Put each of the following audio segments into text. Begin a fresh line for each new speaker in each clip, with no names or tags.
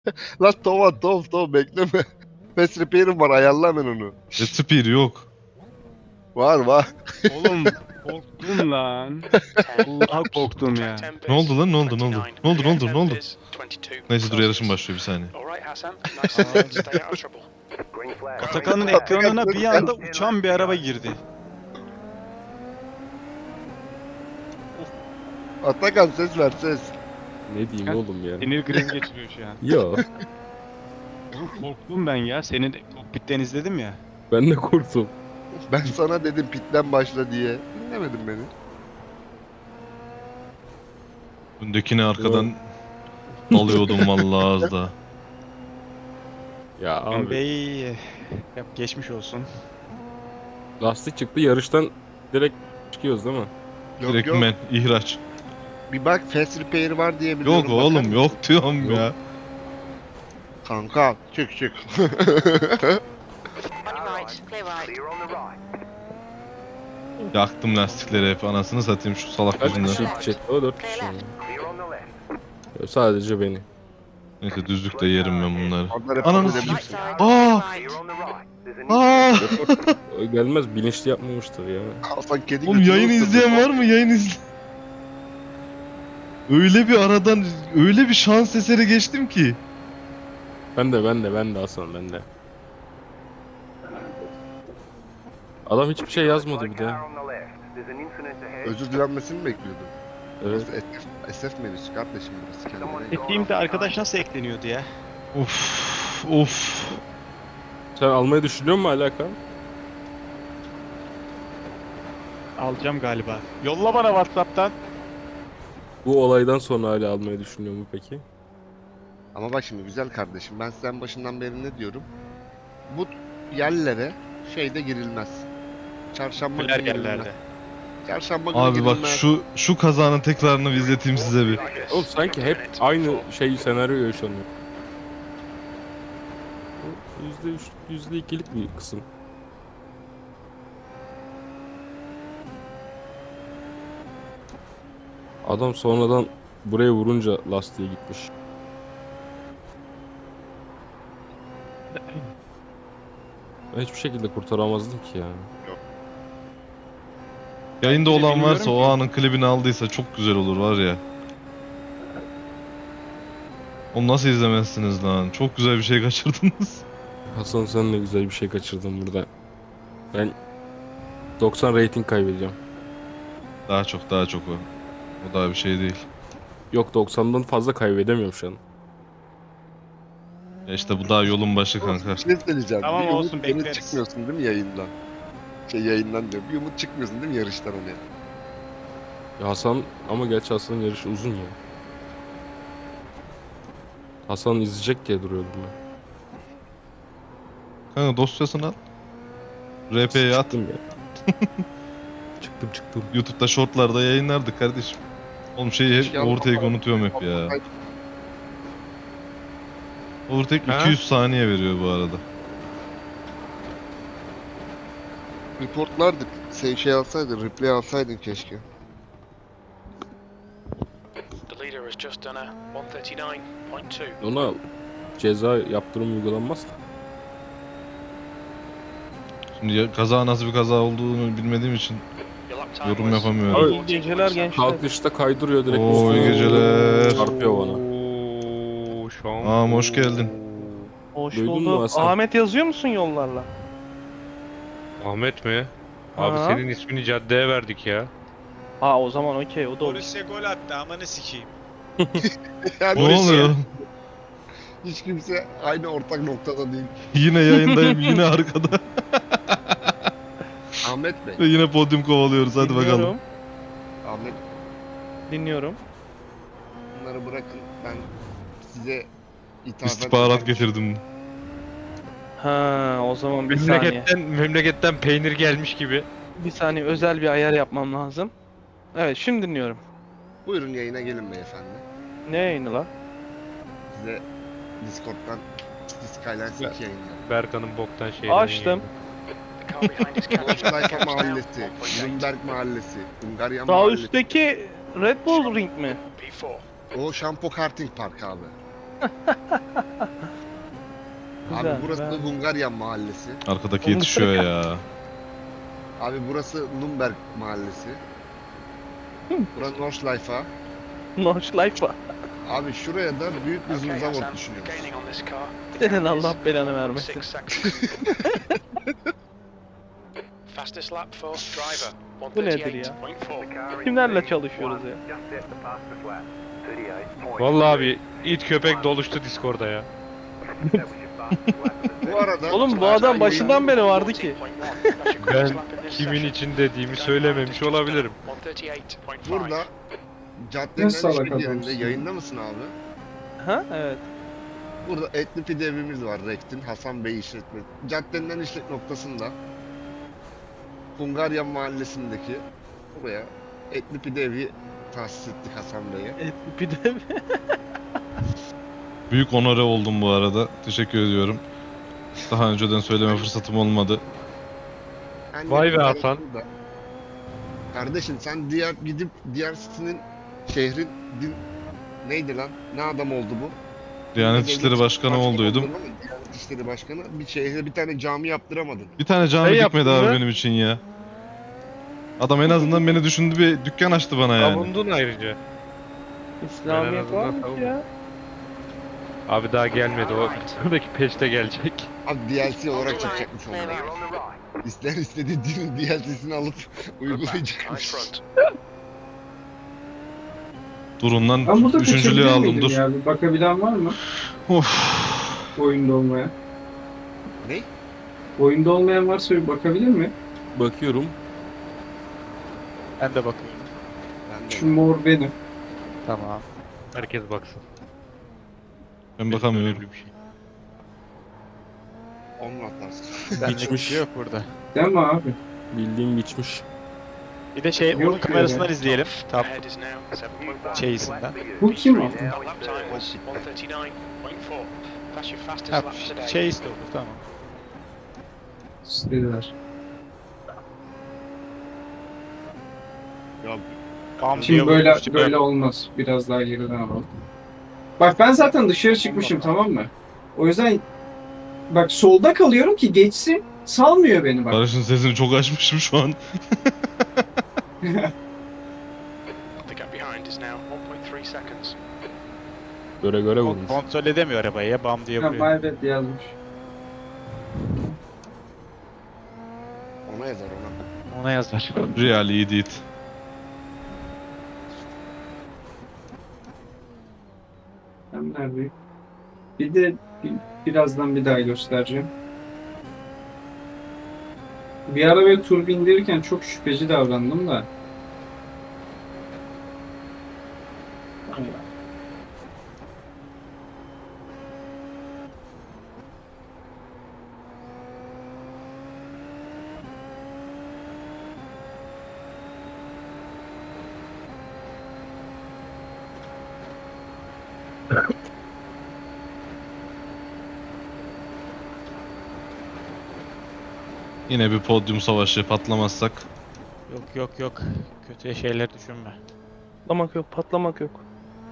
Lan Tova bekleme. Fast repair'im var, ayarla hemen onu.
Spear yok.
Var.
Oğlum korktum lan. Allah'a korktum ya.
Ne oldu lan, ne oldu? Ne oldu? Neyse dur, yarışım başlıyor, bir saniye.
Atakan'ın ekranına bir anda uçan bir araba girdi.
Atakan ses ver ses.
Ne diyeyim oğlum ya?
Sinir krizi geçiriyor şu an.
Yo.
Oğlum korktum ben ya. Seni de kokpitten izledim ya.
Ben de korktum.
Ben sana dedim pitten başla diye. Dinlemedin beni.
Öndekini arkadan alıyordum vallahi az da.
Ya
Abi.
abi
Bey yap geçmiş olsun.
lastik çıktı, yarıştan direkt çıkıyoruz değil mi?
Yok
Direkt
yok.
men, ihraç.
Bir bak fast repair var diye biliyorum.
Yok oğlum,
bakar
yok
mısın?
diyorum
Yok.
ya.
Kanka çık.
On your right, clear right.
Yaktım lastikleri hep, anasını satayım şu salak
Kaç
yüzünden.
kişi gidecek? O 4 kişi mi? Yo, sadece beni.
Neyse düzlükte yerim ben bunları.
Onlar hep
Ananı
öyle
s**eyim.
Right side,
Aa!
clear right.
Aa!
O gelmez, bilinçli yapmamıştır ya.
Hasan kedi
Oğlum
götünü
yayını
ısırdı.
izleyen var mı? Yayın izle. Öyle bir aradan, öyle bir şans eseri geçtim ki.
Ben de Hasan, ben de. Adam hiçbir şey yazmadı bir de.
Özür dilenmesini mi bekliyordun?
Evet.
SF menüsü kardeşim burası, kendine gel.
Steam'de arkadaş nasıl ekleniyordu ya?
Of.
Sen almayı düşünüyor musun alaka?
Alacağım galiba. Yolla bana WhatsApp'tan.
Bu olaydan sonra hala almayı düşünüyor mu peki?
Ama bak şimdi güzel kardeşim, ben size başından beri ne diyorum? Bu yerlere şeyde girilmez. Çarşamba
Güler
günü girilmez.
yerlerde.
Çarşamba günü
Abi bak
girilmez.
şu kazanın tekrarını bir izleteyim size bir.
Oğlum sanki hep aynı senaryo yaşanıyor. Bu %3, %2'lik bir kısım. Adam sonradan buraya vurunca lastiğe gitmiş. Ben hiçbir şekilde kurtaramazdım ki ya.
Yayında
Ben de
olan varsa,
bilmiyorum
o
ki.
anın klibini aldıysa çok güzel olur var ya. Onu nasıl izlemezsiniz lan? Çok güzel bir şey kaçırdınız.
Hasan, sen de güzel bir şey kaçırdın burada. Ben 90 rating kaybedeceğim.
Daha çok o. O daha bir şey değil.
Yok, 90'dan fazla kaybedemiyorum şu an.
Ya işte bu daha yolun başı kanka.
Bir şey söyleyeceğim.
Tamam,
Bir
olsun,
umut, yeni
bekleriz.
çıkmıyorsun değil mi yayından? Yayından diyor. Bir umut çıkmıyorsun değil mi yarıştan hani?
Ya Hasan, ama gerçi Hasan'ın yarışı uzun ya. Hasan izleyecek diye duruyordum ben.
Kanka dosyasını al. RP'ye at.
Çıktım ya. çıktım.
YouTube'da shortlarda yayınlardık kardeşim. Oğlum şeyi hep overtake unutuyorum hep ya. Overtake 200 saniye veriyor bu arada.
Reportlardık. Sen şey alsaydın, replay alsaydın keşke.
The leader has just done a 139.2.
Ona ceza yaptırım uygulanmaz.
Şimdi kaza nasıl bir kaza olduğunu bilmediğim için
Your lap time
yorum
was
yapamıyorum.
Abi,
14.7.
geceler gençler.
Kalkışta kaydırıyor direkt.
Oo, iyi
üstüne
geceler.
Çarpıyor bana.
Oo, şu an.
Ağam hoş geldin.
Hoş
Duydun mu
bulduk.
Hasan?
Ahmet yazıyor musun yollarla?
Ahmet mi? Abi
Ha.
senin ismini caddeye verdik ya.
Ha o zaman okey, o da olur.
Borussia gol attı, amanı sikeyim.
Yani
Ne oluyor?
hiç kimse aynı ortak noktada değil.
Yine yayındayım, yine arkada.
Ahmet Bey.
Ve yine podyum kovalıyoruz, hadi bakalım.
Dinliyorum,
Ahmet,
dinliyorum.
bunları bırakın. Ben size ithafen
İstihbarat
eden-
getirdim.
Ha o zaman bir saniye.
Memleketten peynir gelmiş gibi.
Bir saniye, özel bir ayar yapmam lazım. Evet, şimdi dinliyorum.
Buyurun yayına gelin beyefendi.
Ne yayını lan?
Size Discord'dan Skylines 2 yayınlayalım.
Berkan'ın boktan şeyini.
Açtım.
The car behind is catching
Sayfa
catch now.
Mahallesi,
1.8.
Nürnberg Mahallesi, Hungarya
Sağ
Mahallesi.
üstteki Red Bull Ring mi?
P4.
O Şampo Karting Park abi. Abi
Güzel,
burası
güzel.
Hungaryan mahallesi.
Arkadaki yetişiyor ya.
Abi burası Nürnberg mahallesi. Burası Nordschleife.
Nordschleife.
Abi şuraya da büyük bir
Okay,
Zumzavort
Hassan,
düşünüyoruz.
gaining on this car.
Senin Allah belanı vermesin.
6 seconds. Fastest lap for driver.
Bu nedir ya?
138.4.
Kimlerle çalışıyoruz ya?
Just hit the fastest lap. 38.4.
Vallahi abi it köpek doluştu Discord'da ya.
That was your fastest lap of the
Bu arada
Oğlum bu adam başından beri vardı ki.
Ben kimin için dediğimi söylememiş olabilirim.
138.5.
burada
Ne
caddenin
salak
hiçbir yerinde
adamsın.
yayında mısın abi?
Ha evet.
Burada etli pide evimiz var Rekt'in Hasan Bey işletme. Caddenin en işlek noktasında Hungaryan mahallesindeki buraya etli pide evi tahsis ettik Hasan Bey'e.
Bir de
Büyük onore oldum bu arada. Teşekkür ediyorum. Daha önceden söyleme fırsatım olmadı.
En
Vay be
yakın
Hasan.
tarafı da- Kardeşim sen gidip diğer sitinin şehrin neydi lan? Ne adam oldu bu?
Diyanet
Devlet
İşleri Başkanı olduydum.
oldun ama Diyanet İşleri Başkanı bir şehre bir tane cami yaptıramadın.
Bir tane cami
Şey
dikmedi
yaptın
abi
mı?
benim için ya. Adam en azından beni düşündü, bir dükkan açtı bana yani.
Savundun ayrıca.
İslamiyet
azından
varmış
savundum.
ya.
Abi daha gelmedi o. Sonraki peşte gelecek.
Abi DLC olarak çıkacakmış
Clear
onlar.
on the right.
İster istediği dinin DLC'sini alıp
Right
uygulayacakmış.
front.
Durun lan,
Ben burada
üçüncülüğü
kaçabilir
aldım
miydim
dur.
ya? Bir bakabilen var mı?
Of.
Oyunda olmayan.
Ne?
Oyunda olmayan varsa bir bakabilir mi?
Bakıyorum.
Ben de bakıyorum.
Ben de.
Şu mor benim.
Tamam.
Herkes baksın.
Ben bakamıyorum.
Önemli bir şey.
Onunla atlarsın.
Benlik bir
Geçmiş.
şey yok burada.
Değil mi abi?
Bildiğin geçmiş.
Bir de şey
Yok
onun
ya.
kamerasından izleyelim. Tam
Ahead is now 7.1.
şeysinden.
Bu kim o?
Lap time was 139.4. That's your fastest
Ha,
lap today.
şey istiyordu tamam.
İstediler.
Ya
Bam
Şimdi
diye
böyle
vurmuş,
böyle olmaz. Biraz daha geriden alalım. Bak ben zaten dışarı çıkmışım, tamam mı? O yüzden bak solda kalıyorum ki geçsin. Salmıyor beni bak.
Barış'ın sesini çok açmışım şu an.
The gap behind is now 1.3 seconds.
Göre vurmuş.
Kontrol edemiyor arabayı ya bam diye
Ha,
vuruyor.
my bad yazmış.
ona yazar ona.
Ona yazar.
Real iyi değil.
Ben neredeyim? Bir de birazdan bir daha göstereceğim. Bir ara böyle tur bindirirken çok şüpheci davrandım da.
Yine bir podyum savaşı, patlamazsak.
Yok. Kötüye şeyler düşünme.
Patlamak yok, patlamak yok.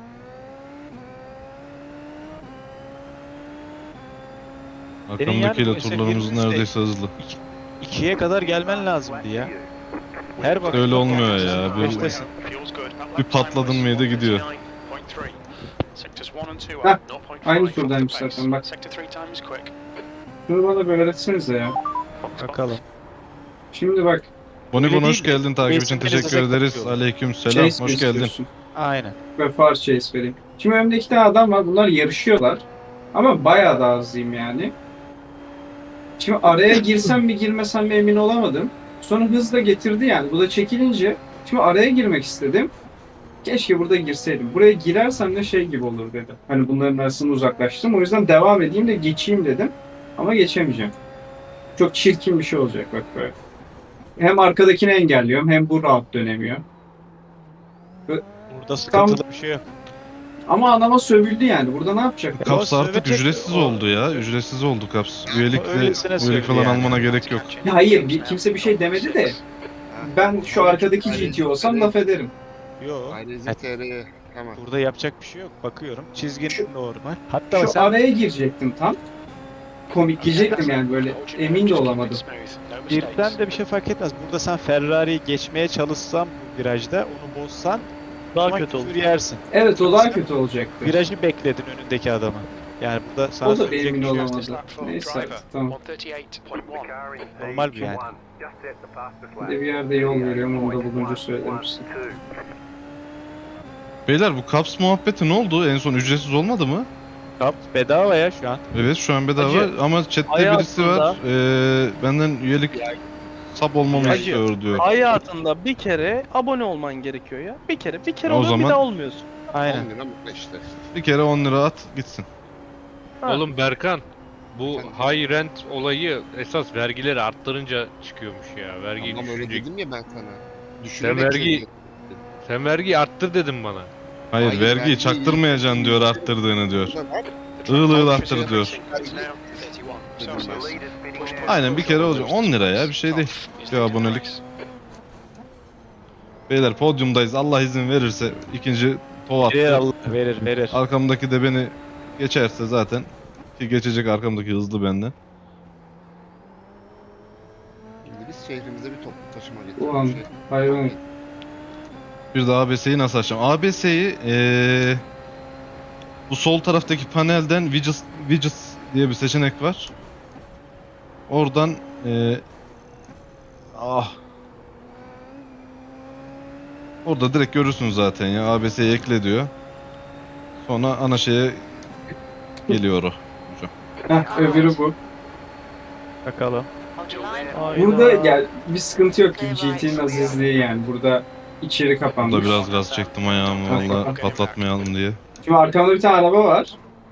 Arkamdakiyle
yani
turlarımız
mesela
neredeyse hızlı.
2'ye kadar gelmen lazımdı ya. Her bak.
Öyle olmuyor ya. Bir,
Beştesin.
Fuel's good. That
bir
lap time
patladın
was
mıydı gidiyor.
139.3. Sectors 1 and 2
Heh,
are 0.5
aynı
off the
turdaymış
pace.
zaten, bak.
Sector 3 time is quick.
Şunu bana bir öğretsenize ya.
Bakalım.
Şimdi bak.
Bonibon
Öyle
hoş
değil mi?
geldin, takip için
Basic
teşekkür
Management
ederiz.
yapıyorlar.
Aleyküm selam,
Chase
hoş
mi
geldin.
istiyorsun?
Aynen.
Ve far chase vereyim. Şimdi önümde iki tane adam var. Bunlar yarışıyorlar. Ama bayağı da hızlıyım yani. Şimdi araya girsem mi girmesem mi emin olamadım. Sonra hız da getirdi yani. Bu da çekilince şimdi araya girmek istedim. Keşke burada girseydim. Buraya girersem de şey gibi olur dedi. Hani bunların arasında uzaklaştım. O yüzden devam edeyim de geçeyim dedim. Ama geçemeyeceğim. Çok çirkin bir şey olacak bak böyle. Hem arkadakini engelliyorum hem bu rahat dönemiyor.
Burada sıkıntılı bir şey yok.
Ama adama sövüldü yani. Burada ne yapacak?
Kaps
O
artık
sövecek-
ücretsiz
o-
oldu ya. Ücretsiz oldu Kaps. Üyelikle,
Öylesine
üyelik
söyledi
falan
yani.
almana gerek yok.
Ya hayır, kimse bir şey demedi de. Ben şu arkadaki
Ayrıca
GT olsam laf ederim.
Yok.
Ayrıca TR'ye Tamam.
Burada yapacak bir şey yok. Bakıyorum. Çizgin
Şu-
normal. Hatta
Şu
sen
araya girecektim tam. Komik diyecektim yani böyle emin de olamadım.
girsen de bir şey fark etmez. Burada sen Ferrari'yi geçmeye çalışsan bu virajda onu bozsan
Daha
o zaman
kötü
küfür
olur.
yersin.
Evet o daha kötü olacaktı.
Virajı bekledin önündeki adamı. Yani burada sana
O da
söyleyecek
emin
bir şey yok.
olamadı. Neyse tamam.
138.1.
Normal bir yani.
Bir de bir yerde yol veriyorum onu da bulunca söylerim size.
Beyler bu Caps muhabbeti ne oldu? En son ücretsiz olmadı mı?
Kap bedava ya şu an.
Evet şu an bedava
Hacı,
ama chatte
hayatında-
birisi var. Benden üyelik sub olmamı
Hacı,
istiyor diyor.
Hayatında bir kere abone olman gerekiyor ya. Bir kere
O
oluyor
zaman-
bir daha olmuyorsun.
Aynen.
10 lira mutlu işte.
Bir kere 10 lira at gitsin.
Ha.
Oğlum Berkan, bu
Efendim?
high rent olayı esas vergileri arttırınca çıkıyormuş ya. Vergiyi
Ama öyle
düşünecek.
dedim ya ben sana.
Sen
Düşünerek
vergi
söylüyorum.
sen vergiyi arttır dedin bana.
Hayır,
Hayır,
vergiyi
vergiyi-
çaktırmayacaksın diyor arttırdığını diyor. Iğıl ığıl arttır diyor. Aynen bir kere olacak. 10 lira ya bir şey değil. Bir abonelik. Beyler podyumdayız. Allah izin verirse ikinci tov
Verir
attı.
Allah verir.
Arkamdaki de beni geçerse zaten ki geçecek arkamdaki hızlı benden.
Şimdi biz şehrimize bir toplu taşıma getirdik.
Ulan hayvan.
Bir de ABS'yi nasıl açacağım? ABS'yi bu sol taraftaki panelden widgets diye bir seçenek var. Oradan orada direkt görürsünüz zaten ya ABS'yi ekle diyor. Sonra ana şeye geliyor o.
Heh öbürü bu.
Bakalım.
Burada gel bir sıkıntı yok gibi GT'nin azizliği yani. Burada içeri kapanmış.
Burada biraz gaz çektim ayağımı valla patlatmayalım diye.
Şimdi arkamda bir tane araba var.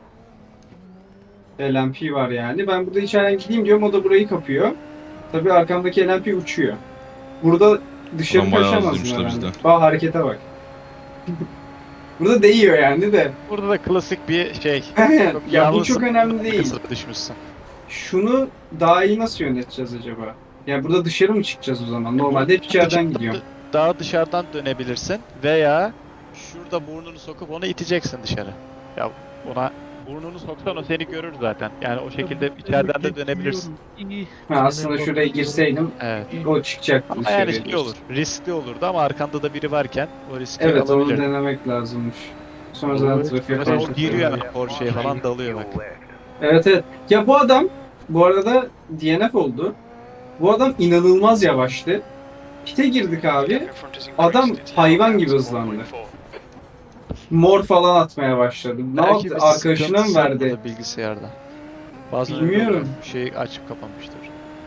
LMP var yani. Ben burada içeriden gideyim diyorum o da burayı kapıyor. Tabii arkamdaki LMP uçuyor. Burada dışarı
Ulan bayağı
kaçamazsın
hızlıymış da
herhalde.
bizden.
Bak harekete bak. Burada değiyor yani de.
Burada da klasik bir şey.
ya bu
yalnız
çok önemli değil.
kısıra düşmüşsün.
Şunu daha iyi nasıl yöneteceğiz acaba? Yani burada dışarı mı çıkacağız o zaman? Normalde hep içeriden gidiyorum.
Daha dışarıdan dönebilirsin veya şurada burnunu sokup onu iteceksin dışarı. Ya ona burnunu soksan o seni görür zaten. Yani o şekilde içeriden de dönebilirsin.
Ha, aslında şuraya girseydim
Evet.
o çıkacaktı
Ama
dışarıya.
yani şey olur. Riskli olurdu ama arkanda da biri varken o riski
Evet onu
alabilir.
denemek lazımmış. Sonra zaten trafiğe
Mesela o
karşı.
giriyor yani Porsche'ye falan dalıyor bak.
Evet evet. Ya bu adam bu arada DNF oldu. Bu adam inanılmaz yavaştı. Pite girdik abi. Adam hayvan gibi hızlandı. Mor falan atmaya başladı. Ne
Belki
yaptı?
bir
Arkadaşına mı
sıkıntısı
verdi?
olmadı bilgisayarda. Bazen
Bilmiyorum.
bir şey açıp kapanmıştır.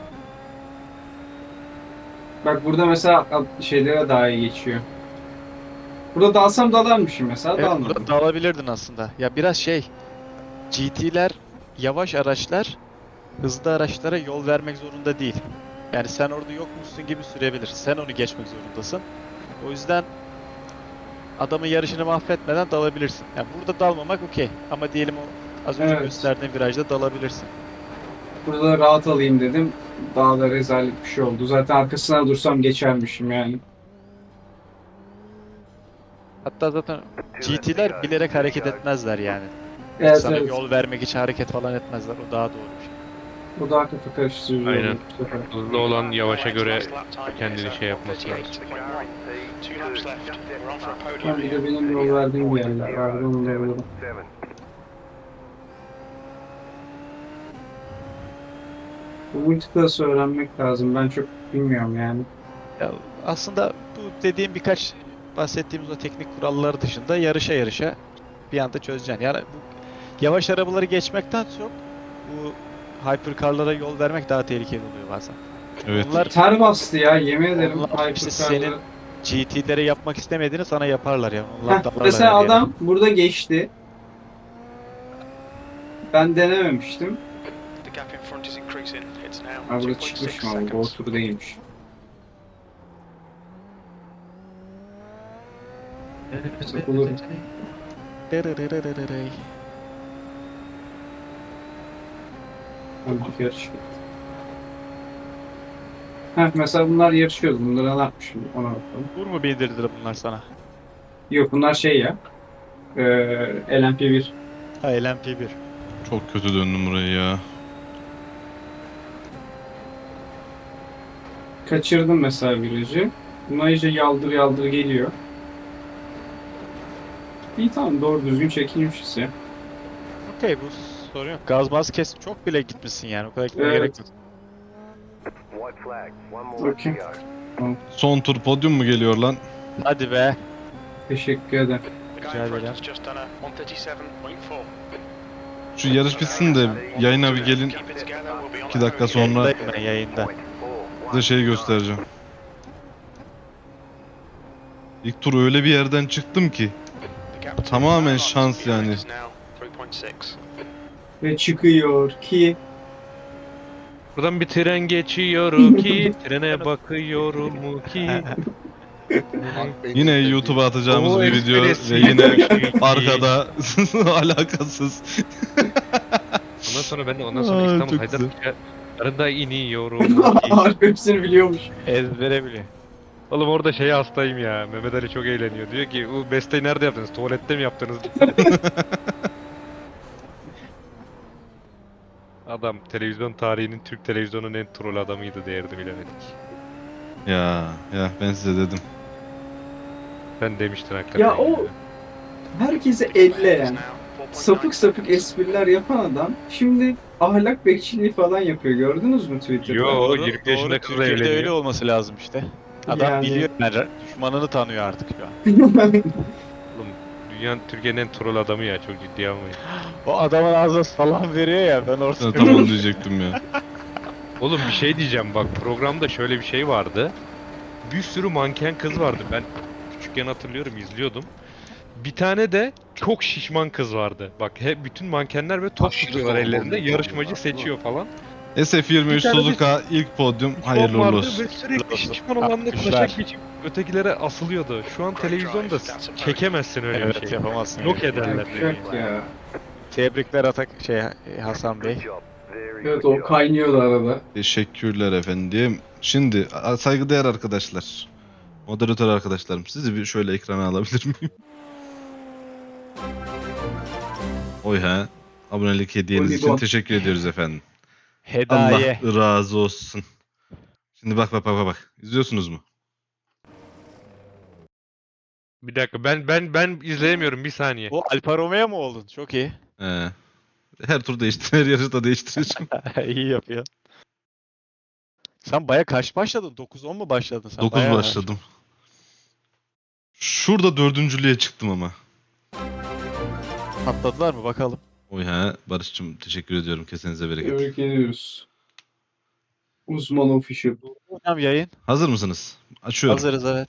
Bak burada mesela şeylere daha iyi geçiyor. Burada dalsam dalarmışım mesela
Evet,
dalmadım.
burada dalabilirdin aslında. Ya biraz şey, GT'ler yavaş araçlar hızlı araçlara yol vermek zorunda değil. Yani sen orada yokmuşsun gibi sürebilir. Sen onu geçmek zorundasın. O yüzden adamın yarışını mahvetmeden dalabilirsin. Yani burada dalmamak okey. Ama diyelim o az önce
Evet.
gösterdiğim virajda dalabilirsin.
Burada rahat alayım dedim. Daha da rezalet bir şey oldu. Zaten arkasına dursam geçermişim yani.
Hatta zaten GT'ler bilerek hareket etmezler yani.
Evet
Sana
evet.
yol vermek için hareket falan etmezler. O daha doğru bir şey.
Bu daha kafa karıştırıcı
Aynen.
oldu bu sefer.
Hızlı olan yavaşa göre kendini şey yapması lazım.
2 laps left. We're on for a
Ben
podium
bir
here.
de benim yol verdiğim bir yerler vardı onu da alalım. Bu multiclass'ı öğrenmek lazım. Ben çok bilmiyorum yani.
Ya aslında bu dediğim birkaç bahsettiğimiz o teknik kuralları dışında yarışa bir anda çözeceksin. Yani bu yavaş arabaları geçmekten çok bu hypercar'lara yol vermek daha tehlikeli oluyor bazen.
Evet.
Onlar
Ter bastı ya yemin ederim.
Onlar işte
Hypercar'da.
senin GT'lere yapmak istemediğini sana yaparlar ya.
Heh,
Onlar dalarlar
mesela
her yere.
adam burada geçti. Ben denememiştim.
The gap in front is increasing. It's now
Ha burada
2.6
çıkmış mı abi? O
seconds.
tur değilmiş. Olur.
Dırırırırırıray.
Hadi yarış. Heh, mesela bunlar yarışıyordu. Bunlara ne yapmışım? Ona bakalım.
Vur mu bildirdiler bunlar sana?
Yok bunlar şey ya. LMP1.
Ha LMP1.
Çok kötü döndüm burayı ya.
Kaçırdım mesela virajı. Buna iyice yaldır yaldır geliyor. İyi tamam doğru düzgün çekilmişiz ya.
Okey bu sorun yok. Gaz baz kesip çok bile gitmişsin yani. O kadar gitmeye
Evet.
gerek yok.
White flag. One more
Okay.
to go.
Son tur podyum mu geliyor lan?
Hadi be.
Teşekkür ederim.
The guy
Rica
in front
ederim.
has just done a 137.4.
Şu yarış bitsin de yayına bir gelin.
Keep it together, we'll be on
2 dakika
the
sonra
Yayındayım ben yayında.
size şeyi göstereceğim. İlk tur öyle bir yerden çıktım ki.
The gap to
Tamamen
Brown
şans
behind
yani.
is now 3.6.
Ve çıkıyor ki
Buradan bir tren geçiyor ki trene bakıyorum ki.
Yine YouTube'a atacağımız
O
bir video
esprisi
ve yine
yapmış ki.
arkada alakasız.
Ondan sonra ben de
Aa,
İstanbul
çok
Haydarpaşa arında iniyorum ki.
Harbi hepsini biliyormuş.
Ezbere biliyor.
Oğlum orada şeye hastayım ya. Mehmet Ali çok eğleniyor. Diyor ki bu besteyi nerede yaptınız? Tuvalette mi yaptınız? Adam televizyon tarihinin Türk televizyonunun en troll adamıydı değerini bilemedik.
Ya ben size dedim.
Sen demiştin hakikaten.
Ya o herkese elleyen, sapık sapık espriler yapan adam şimdi ahlak bekçiliği falan yapıyor. Gördünüz mü Twitter'da?
Yo 20 yaşında kızla
Türkiye'de öyle
evleniyor.
olması lazım işte. Adam
Yani-
biliyor yani düşmanını tanıyor artık şu an.
Oğlum dünyanın Türkiye'nin en troll adamı ya çok ciddiye almayın.
O adamın ağzına salam veriyor ya ben
Ben
orada.
tam onu diyecektim ya.
Oğlum bir şey diyeceğim bak programda şöyle bir şey vardı. Bir sürü manken kız vardı. Ben küçükken hatırlıyorum izliyordum. Bir tane de çok şişman kız vardı. Bak hep bütün mankenler ve top
Aşırı
tutuyorlar
hormonlu
ellerinde.
oluyorlar,
Yarışmacı
değil
seçiyor falan.
SF23
Bir tane de-
Suzuka ilk podyum
Son
hayırlı
vardı
uğurlu olsun.
ve sürekli
olsun.
şişman olanla
Yapmışlar.
taşak geçip ötekilere asılıyordu. Şu an televizyonda çekemezsin öyle bir
Evet
şey.
yapamazsın.
Yok
öyle.
ederler.
Yapacak ya.
Tebrikler Hasan Bey.
Good job. Very
Evet
good
o
job.
kaynıyordu arada.
Teşekkürler efendim. Şimdi saygıdeğer arkadaşlar. Moderatör arkadaşlarım sizi bir şöyle ekrana alabilir miyim? Oy ha. Abonelik hediyeniz için
Oligon.
teşekkür ediyoruz efendim.
Hedaye.
Allah razı olsun. Şimdi bak. İzliyorsunuz mu?
Bir dakika ben izleyemiyorum bir saniye.
O Alfa Romeo mu oldun? Çok iyi.
Her tur her yarışta değiştireceğim.
İyi yapıyor. Sen baya kaç başladın? 9-10 mu başladın sen?
9
Bayağı
başladım. Şurada dördüncülüğe çıktım ama.
Patladılar mı bakalım.
Oy ha. Barış'cığım teşekkür ediyorum. Kesenize bereket.
Tebrik ediyoruz. Uzman official.
Hocam yayın.
Hazır mısınız? Açıyorum.
Hazırız evet.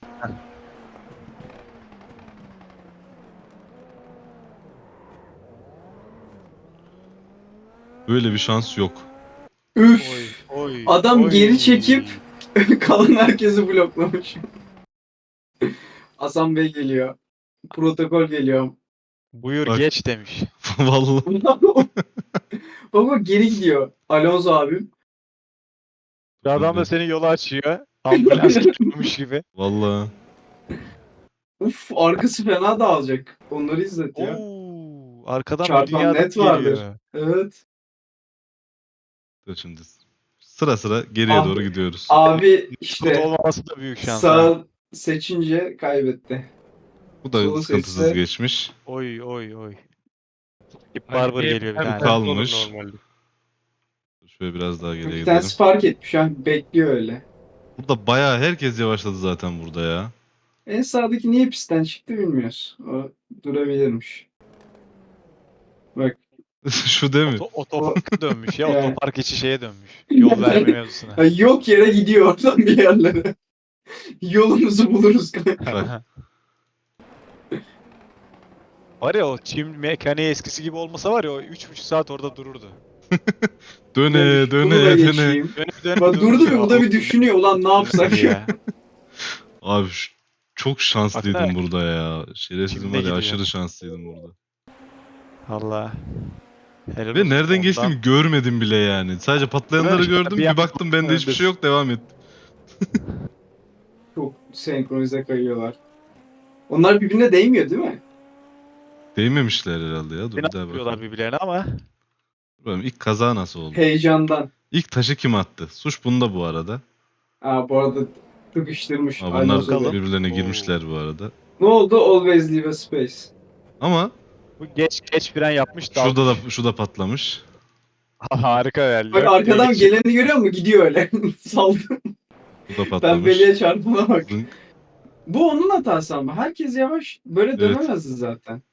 Böyle bir şans yok.
Üf.
Oy.
Adam
oy.
geri çekip kalan herkesi bloklamış. Hasan Bey geliyor. Protokol geliyor.
Buyur
Bak.
geç demiş.
Vallahi.
Baba geri gidiyor. Alonso abim.
Bir adam da senin yolu açıyor. Ambulans geliyormuş gibi.
Vallahi.
Uf arkası fena dağılacak. Onları izlet ya.
Oo, arkadan
Çarpan
bir dünya
net
geliyor.
vardır. Evet.
Dur şimdi. Sıra sıra geriye
Abi-
doğru gidiyoruz.
Abi
Kurt
işte
olmaması da büyük şans. ha.
sağ seçince kaybetti.
Bu da
solu
sıkıntısız
seçse-
geçmiş.
Oy. Skip Barber geliyor bir
tane
tane.
kalmış.
Normalde.
Şöyle biraz daha geriye
Bir
gidelim.
tanesi fark etmiş. Yani bekliyor öyle.
Burada bayağı herkes yavaşladı zaten burada ya.
En sağdaki niye pistten çıktı bilmiyoruz. O durabilirmiş. Bak.
Şu değil mi?
Otoparka dönmüş ya.
Yani.
Otopark içi şeye dönmüş. Yol verme mevzusuna.
Ha, yok yere gidiyor oradan bir yerlere. Yolumuzu buluruz kanka.
Bak.
Var ya o çim mekaniği eskisi gibi olmasa var ya o 3,5 saat orada dururdu.
Döne
Bunu da
döne.
geçeyim.
Dönüp
Bak durdu bir
duruyor.
bu da bir düşünüyor. Ulan ne yapsak ya.
ya.
Abi çok şanslıydım
Baksana.
burada ya. Şerefsizim
Kimle
var ya
gidiyor?
aşırı şanslıydım burada.
Allah. Helal
Ve
olsun.
nereden
Ondan-
geçtiğimi görmedim bile yani. Sadece patlayanları
Evet,
gördüm.
bir
Bir baktım bende hiçbir şey yok devam ettim.
Çok senkronize kayıyorlar. Onlar birbirine değmiyor değil mi?
Değmemişler herhalde ya. Dur
Beni
bir daha
atıyorlar
bakalım.
birbirlerine ama.
Bakalım ilk kaza nasıl oldu?
Heyecandan.
İlk taşı kim attı? Suç bunda bu arada.
Aa, bu arada tıkıştırmış.
Ama
Aynen
bunlar
öyle.
birbirlerine
Oo.
girmişler bu arada.
Ne oldu? Always leave a space.
Ama
Bu geç fren yapmış
şurada
dalmış.
da şu da patlamış.
Harika yani.
Bak arkadan geleni görüyor musun? Gidiyor öyle. Saldım.
Bu da patlamış.
Pembeliğe çarpına bak.
Zınk.
Bu onun hatası ama. Herkes yavaş böyle
Evet.
dönemezdi zaten.